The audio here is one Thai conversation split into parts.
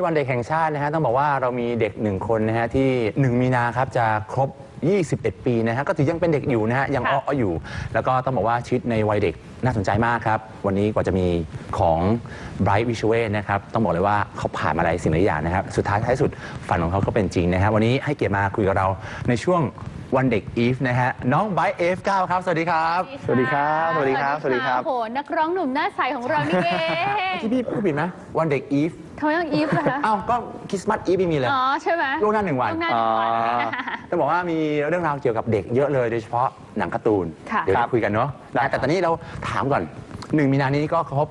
วันเด็กแห่งชาตินะฮะต้องบอกว่าเรามีเด็ก1 คนนะฮะที่1 มีนาครับจะครบ21 ปีนะฮะก็ถือยังเป็นเด็กอยู่นะฮะยังอ้ออยู่แล้วก็ต้องบอกว่าชีวิตในวัยเด็กน่าสนใจมากครับวันนี้กว่าจะมีของ Bright Visual นะครับต้องบอกเลยว่าเขาผ่านมาหลายสิ่งหลายอย่างนะครับสุดท้ายท้ายสุดฝันของเขาก็เป็นจริงนะครับวันนี้ให้เกียรติมาคุยกับเราในช่วงวันเด็กอีฟนะฮะน้องไบร์ท F9 ครับสวัสดีครับสวัสดีครับสวัสดีครับสวัสดีครับโหนักร้องหนุ่มหน้าใสของเรานี่เองที่พี่พูดผิดไหมวันเด็กอีฟทำไมต้องอีฟล่ะคะอ้าวก็คริสต์มาสอีฟไม่มีเลยอ๋อใช่ไหมล่วงหน้า1 วันต้องบอกว่ามีเรื่องราวเกี่ยวกับเด็กเยอะเลยโดยเฉพาะหนังการ์ตูนเดี๋ยวจะคุยกันเนาะแต่ตอนนี้เราถามก่อน1 มีนานี้ก็ครบ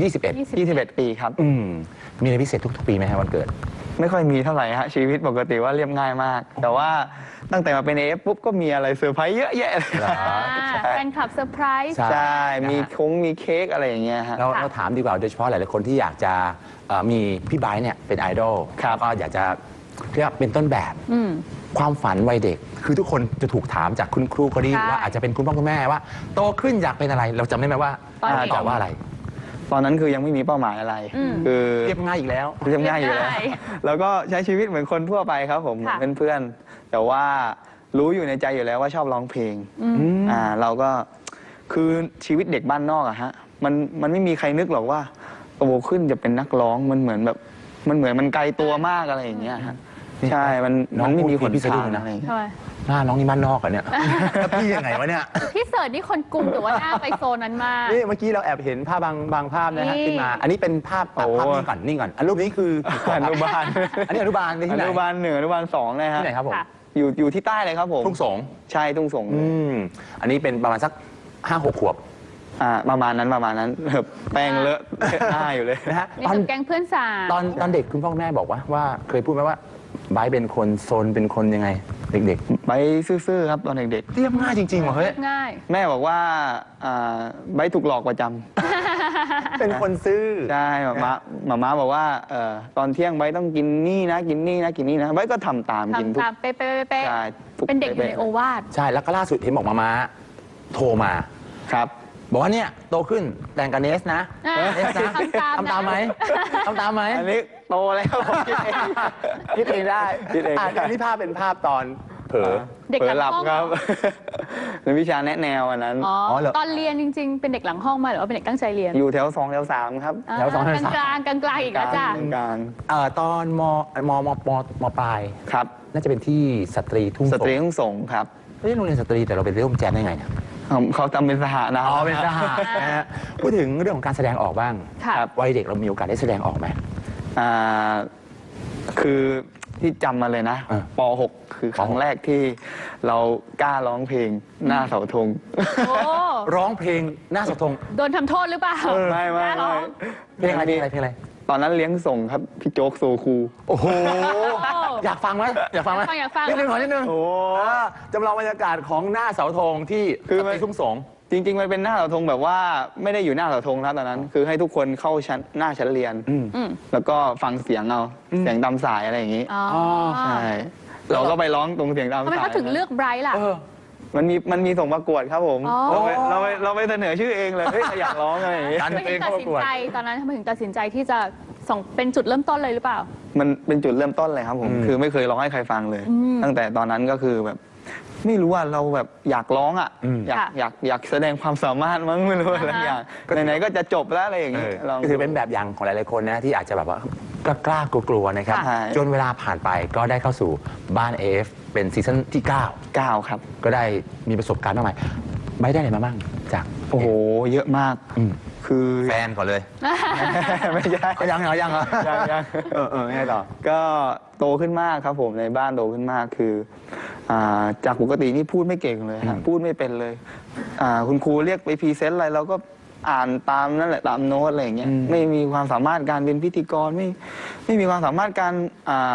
21 ปีครับมีอะไรพิเศษทุกๆปีไหมฮะวันเกิดไม่ค่อยมีเท่าไหร่ฮะชีวิตปกติว่าเรียบง่ายมากแต่ว่าตั้งแต่มาเป็นAFปุ๊บก็มีอะไรเซอร์ไพรส์เยอะแยะเลยแฟนคลับเซอร์ไพรส์ใช่มีมีเค้กอะไรอย่างเงี้ยฮะเราถามดีกว่าโดยเฉพาะหลายๆคนที่อยากจะมีพี่ไบร์ทเนี่ยเป็นไอดอลแล้วก็อยากจะเรียกเป็นต้นแบบความฝันวัยเด็กคือทุกคนจะถูกถามจากคุณครูก็ดีว่าอาจจะเป็นคุณพ่อคุณแม่ว่าโตขึ้นอยากเป็นอะไรเราจำได้ไหมว่าตอบว่าอะไรตอนนั้นคือยังไม่มีเป้าหมายอะไรคือเรียบง่ายอีกแล้วเรียบง่ายอยู่แล้วแล้วก็ใช้ชีวิตเหมือนคนทั่วไปครับผมเหมือนเพื่อนๆแต่ว่ารู้อยู่ในใจอยู่แล้วว่าชอบร้องเพลงเราก็คือชีวิตเด็กบ้านนอกอะฮะมันไม่มีใครนึกหรอกว่าโตขึ้นจะเป็นนักร้องมันเหมือนแบบมันไกลตัวมากอะไรอย่างเงี้ยฮะใช่มันไม่มีคนทางอะไรหน้าน้องนี่บ้านนอกอ่ะเนี่ยพี่ยังไงวะเนี่ยพี่เสิร์ชนี่คนกรุงแต่ว่าหน้าไปโซนนั้นมากนี่เมื่อกี้เราแอบเห็นภาพบางภาพนะฮะขึ้นมาอันนี้เป็นภาพนิ่งก่อนรูปนี้คืออนุบาลอันนี้อนุบาลที่ไหนอนุบาล1อนุบาล2เลยฮะที่ไหนครับผมอยู่ที่ใต้เลยครับผมทุ่งสงใช่ทุ่งสงอันนี้เป็นประมาณสัก5-6 ขวบประมาณนั้นแป้งเลอะหน้าอยู่เลยนะฮะตอนแก๊งเพื่อนสาวตอนเด็กคุณพ่อแม่บอกว่าเคยพูดไหมว่าไบร์ทเป็นคนโซนเป็นคนยังไงเด็กๆไบร์ทซื่อๆครับตอนเด็กๆเรียบง่ายจริงๆเหรอเฮ้ยง่ายแม่บอกว่าไบร์ทถูกหลอกประจำเป็นคนซื่อใช่มาม่าบอกว่าตอนเที่ยงไบร์ทต้องกินนี่นะกินนี่นะกินนี่นะไบร์ทก็ทำตามกินทุกเป๊ะเป็นเด็กอยู่ในโอวาทใช่แล้วก็ล่าสุดเห็นบอกมาโทรมาครับบอกว่าเนี่ยโตขึ้นแต่งกับเนสนะทำตามไหมอันนี้โตแล้วคิดเองได้อันนี้ภาพเป็นภาพตอนเผลอหลับครับในวิชาแนะแนวอันนั้นตอนเรียนจริริงๆเป็นเด็กหลังห้องมาหรือว่าเป็นเด็กตั้งใจเรียนอยู่แถว2แถว3ครับแถว2แถว3 กลางอีกแล้วจ้ะตอนมปลายครับน่าจะเป็นที่สตรีทุ่งสงครับไม่ใช่โรงเรียนสตรีแต่เราเป็นร่วมแจมได้ไงเนี่ยเขาทำเป็นสหนะเป็นสหนะฮะพูดถึงเรื่องของการแสดงออกบ้างวัยเด็กเรามีโอกาสได้แสดงออกไหมคือที่จำมาเลยนะป .6 คือครั้งแรกที่เรากล้าร้องเพลงหน้าเสาธงร้องเพลงหน้าเสาธงโดนทำโทษหรือเปล่าไม่เพลงอะไรตอนนั้นเลี้ยงส่งครับพี่โจ๊กโซคูโอ้โหอยากฟังไหมอยากฟังนิดนึงโอ้จำลองบรรยากาศของหน้าเสาธงที่คือไปทุ่งสงจริงๆมันเป็นหน้าเสาธงแบบว่าไม่ได้อยู่หน้าเสาธงนะตอนนั้นคือให้ทุกคนเข้าหน้าชั้นเรียนแล้วก็ฟังเสียงเอาเสียงตามสายอะไรอย่างนี้ใช่เราก็ไปร้องตรงเสียงตามสายทำไมเขาถึงเลือกไบรท์ล่ะมันมีส่งประกวดครับผมเราไปเสนอชื่อเองเลยอยากร้องอะไรอย่างนี้ทำไมถึงตัดสินใจตอนนั้นทำไมถึงตัดสินใจที่จะเป็นจุดเริ่มต้นเลยหรือเปล่ามันเป็นจุดเริ่มต้นเลยครับผมคือไม่เคยร้องให้ใครฟังเลยตั้งแต่ตอนนั้นก็คือแบบไม่รู้ว่าเราแบบอยากร้องอ่ะอยากแสดงความสามารถมั้งไม่รู้อะไรอย่างไหนๆก็จะจบแล้วอะไรอย่างนี้ก็ถือเป็นแบบอย่างของหลายๆคนนะที่อาจจะแบบว่ากล้ากลัวๆนะครับจนเวลาผ่านไปก็ได้เข้าสู่บ้าน AF เป็นซีซั่นที่9 ครับก็ได้มีประสบการณ์มากมายไม่ได้อะไรมาบ้างจากโอ้โหเยอะมากคือแฟนก่อนเลยไม่ใช่ยังไงต่อก็โตขึ้นมากครับผมในบ้านโตขึ้นมากคือจากปกตินี่พูดไม่เก่งเลยครับพูดไม่เป็นเลยคุณครูเรียกไปพรีเซนต์อะไรเราก็อ่านตามนั่นแหละตามโน้ตอะไรอย่างเงี้ยไม่มีความสามารถการเป็นพิธีกรไม่มีความสามารถการ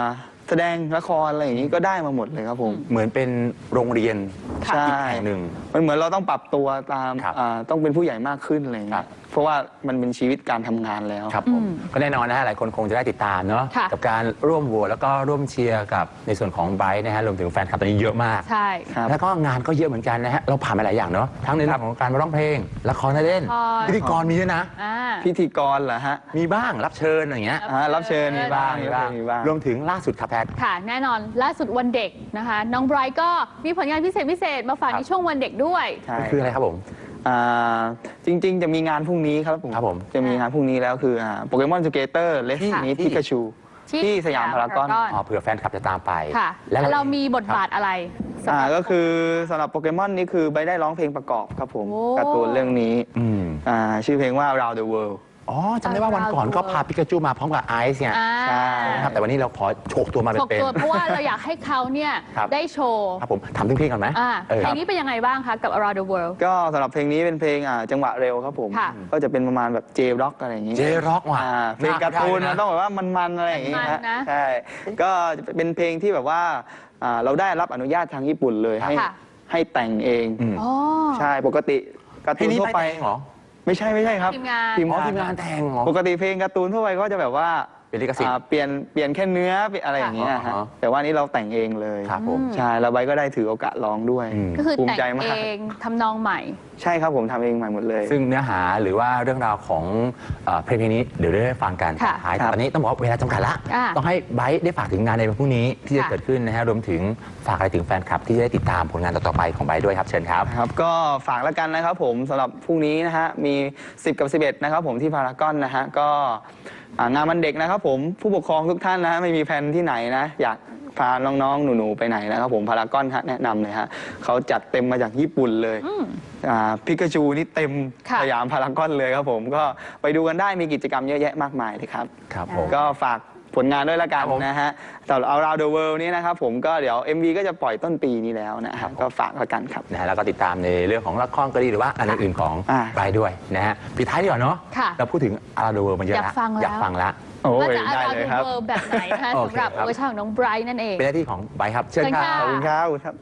แสดงละครอะไรอย่างนี้ก็ได้มาหมดเลยครับผมเหมือนเป็นโรงเรียนใช่อีกแห่งหนึ่งมันเหมือนเราต้องปรับตัวตามครับต้องเป็นผู้ใหญ่มากขึ้นอะไรอย่างครัเงี้บยเพราะว่ามันเป็นชีวิตการทำงานแล้วครับผมก็แน่นอนนะฮะหลายคนคงจะได้ติดตามเนาะค่ะกับการร่วมโหวตแล้วก็ร่วมเชียร์กับในส่วนของไบรท์นะฮะรวมถึงแฟนคลับตอนนี้เยอะมากใช่ครับแล้วก็งานก็เยอะเหมือนกันนะฮะเราผ่านมาหลายอย่างเนาะทั้งในเรื่องของการมาร้องเพลงละครเล่นละครพิธีกรมีด้วยนะอ่าพิธีกรเหรอฮะมีบ้างรับเชิญอะไรอย่างเงี้ยรับเชิญมีบ้างมีบ้างมีบ้างรวมถึงล่าสุดครับแพทค่ะ แน่นอนล่าสุดวันเด็กนะคะ น้องไบรท์ก็มีผลงานพิเศษมาฝากครับในช่วงวันเด็กด้วยใช่คืออะไรครับผมจริงๆ จะมีงานพรุ่งนี้ครับผมครับผมจะมีงานพรุ่งนี้แล้วคือโปเกมอนสเกเตอร์เลสที่นี้พิกาชู ที่สยามพารากอนอ๋อเผื่อแฟนคลับจะตามไปค่ะแล้วเรามีบทบาทอะไรสำหรับก็คือสำหรับโปเกมอนนี่คือใบได้ร้องเพลงประกอบครับผมโอ้การ์ตูนเรื่องนี้อืมชื่อเพลงว่า Around the World อ๋อจำได้ว่าวันก่อนก็พาปิกาจูมาพร้อมกับไอซ์เนี่ยอ่าใช่นะครับแต่วันนี้เราขอโฉกตัวมาฉกเป็นตัวเพราะว่าเราอยากให้เขาเนี่ยครับได้โชว์ๆครับผมถามถึงเพลงก่อนไหมเพลงนี้เป็นยังไงบ้างคะกับ Around the World ก็สำหรับเพลงนี้เป็นเพลงจังหวะเร็วครับผมค่ะก็จะเป็นประมาณแบบเจร็อกอะไรอย่างนี้เจร็อกว่ะเพลงการ์ตูนมันต้องแบบว่ามันๆอะไรอย่างนี้มันฮะๆนะใช่ก็จะเป็นเพลงที่แบบว่าเราได้รับอนุญาตทางญี่ปุ่นเลยให้ค่ะให้แต่งเองอืมอ๋อใช่ปกติการ์เพลตูงนนี้ทั่วไปไปเองเหรอไม่ใช่ครับทีมงานอ๋อทีมงานแต่งเหรอปกติเพลงการ์ตูนทั่วไปก็จะแบบว่าเป็นลิขสิทธิ์เปลี่ยนแค่เนื้ออะไรอย่างเงี้ยค่ะฮะอ๋อแต่ว่านี่เราแต่งเองเลยครับผมใช่แล้วใบก็ได้ถือโอกาสร้องด้วยอืมก็คือภูมิแต่งใจมาเอก งทำนองใหม่ใช่ครับผมทำเองใหม่หมดเลยซึ่งเนื้อหาหรือว่าเรื่องราวของเพลงนี้เดี๋ยวได้ฟังกันค่ะท้ายครับตอนนี้ต้องบอกว่าเวลาจำกัดละอ่าต้องให้ไบร์ทได้ฝากถึงงานในวันพรุ่งนี้ที่จะค่ะเกิดขึ้นนะฮะรวมถึงฝากอะไรถึงแฟนคลับที่จะได้ติดตามผลงานต่อๆไปของไบร์ทด้วยครับเชิญครับครับก็ฝากแล้วกันนะครับผมสำหรับพรุ่งนี้นะฮะมี 10 กับ 11 นะครับผมที่พารากอนนะฮะก็งานวันเด็กนะครับผมผู้ปกครองทุกท่านนะฮะไม่มีแผนที่ไหนนะอยากพาน้องๆหนูๆไปไหนนะครับผมพารากอนฮะแนะนำเลยฮะเขาจัดเต็มมาจากญี่ปุ่นเลยพิกาจูนี่เต็มค่ะสยามพารากอนเลยครับผมก็ไปดูกันได้มีกิจกรรมเยอะแยะมากมายเลยครับครับผมก็ฝากผลงานด้วยละกันครับผมนะฮะสำหรับ Around the World นี้นะครับผมก็เดี๋ยว MV ก็จะปล่อยต้นปีนี้แล้วนะคครัรับบ ผมก็ฝากละกันครับนะฮะแล้วก็ติดตามในเรื่องของละครก็ดีหรือว่าอันอื่นๆของอ่าไบร์ทด้วยนะฮะปิดท้ายดีกว่าเนาะค่ะเราพูดถึงอาราโดเวิร์มันเยอะอยากฟังแล้วอยากฟังละโอ้ว่าย จะได้ Around เลย the ครับ World แบบไหนนะคะโอเคสำหรับครับเวอร์ชันของน้องไบรท์นั่นเองเป็นหน้าที่ของไบร์ทครับเชิญเชิญครัค่ะบขอบคุณครับครับ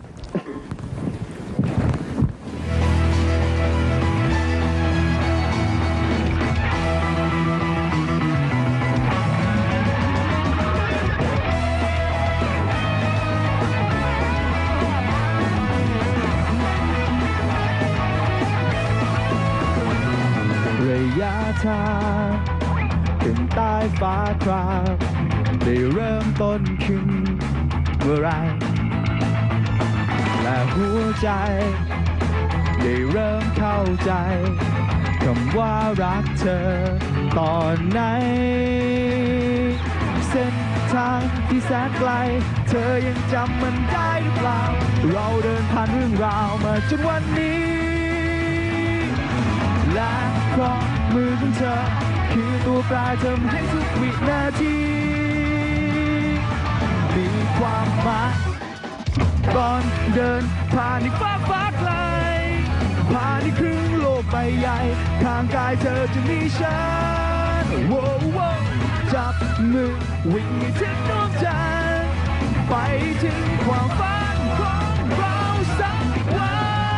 ระยะทางถึงใต้ฟ้าครามได้เริ่มต้นขึ้นเมื่อไรและหัวใจ ได้เริ่มเข้าใจคำว่ารักเธอตอนไหน เส้นทางที่แสนไกล เธอยังจำมันได้หรือเปล่า เราเดินผ่านเรื่องราวมาจนวันนี้ และเพราะมือของเธอ คือตัวแปรทำให้ทุกวินาทีมีความหมายก่อนเดินผ่านในฟ้าไกล ผ่านในครึ่งโลกใบใหญ่ข้างกายเธอจะมีฉันโว้วจับมือวิ่งให้ถึงดวงจันทร์ไปถึงความฝันของเราสักวัน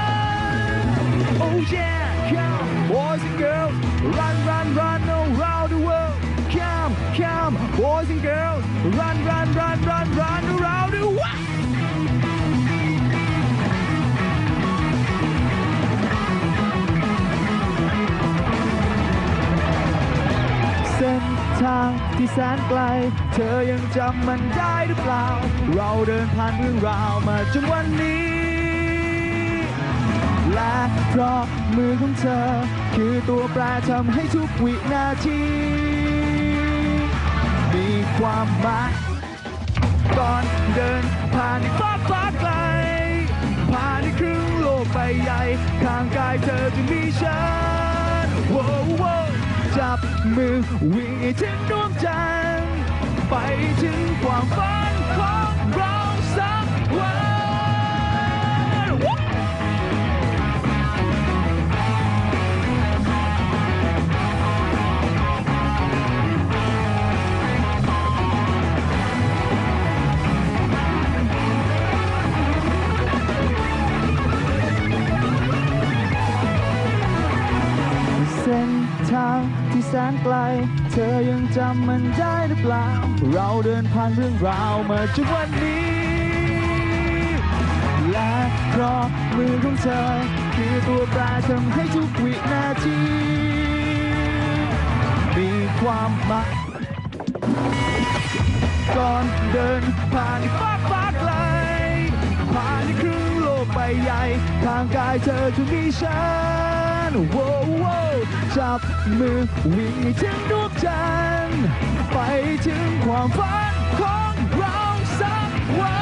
Oh yeah come boys and girls run run run around the world come come boys and girls run run run run run around the worldเส้นทางที่แสนไกล เธอยังจำมันได้หรือเปล่า เราเดินผ่านเรื่องราวมาจนวันนี้ และเพราะมือของเธอ คือตัวแปรทำให้ทุกวินาที มีความหมายก่อนเดินผ่านในฟ้าไกล ผ่านในครึ่งโลกใบใหญ่ข้างกายเธอจะมีฉันโว้วจับมือวิ่งให้ถึงดวงจันทร์ไปถึงความฝันของเราสักวัน เางที่แสนไกล เธอยังจำมันได้หรือเปล่า เราเดินผ่านเรื่องราวมาจนวันนี้ และเพราะมือของเธอคือตัวแปรทำให้ทุกวินาที มีความหมายก่อนเดินผ่านฟ้าไกล ผ่านครึ่งโลกใบใหญ่ทางกายเธอจะมีฉันโว้วจับมือวิ่งให้ถึงดวงจันทร์ไปถึงความฝันของเราสักวัน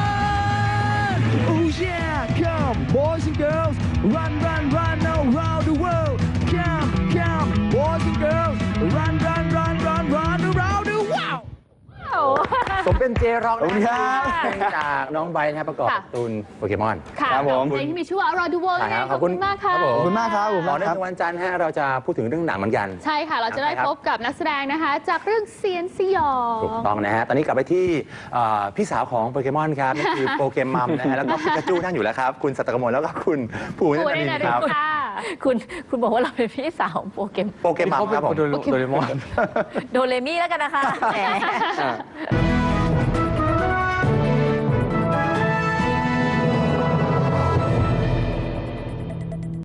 Oh yeah come boys and girls run run run around the world come come boys and girls run run run run run around the world ผมเป็นเจร็อกขอบคุณครับจากน้องไบร์ทนะครับประกอบค่ะการ์ตูนโปเกมอนค่ะครับผมเพลงที่มีชื่อว่า Around the World นั่นเองขอบคุณมากค่ะรับผขอบคุณมากครับขอบคุณต่อมากเนื่องครับในวันจันทร์ฮะเราจะพูดถึงเรื่องหนังเหมือนกันใช่ค่ะ เราจะได้ครับพบกับนักแสดงนะคะ จากเรื่องเซียนสยองถูกต้องนะฮะ ตอนนี้กลับไปที่พี่สาวของโปเกมอนครับนั่นคือโปเกมมัมนะฮะ แล้วก็พิกาจูนั่งอยู่แล้วครับ คุณสัตตกมลแล้วก็คุณภูมิคุนัณนได้ท์นะครับ ค่ะคุณบอกว่าเราเป็นพี่สาวของโปเกมโปเกมมัมครับผมโดเรมอนโดเรมี่แล้วกันนะคะแหม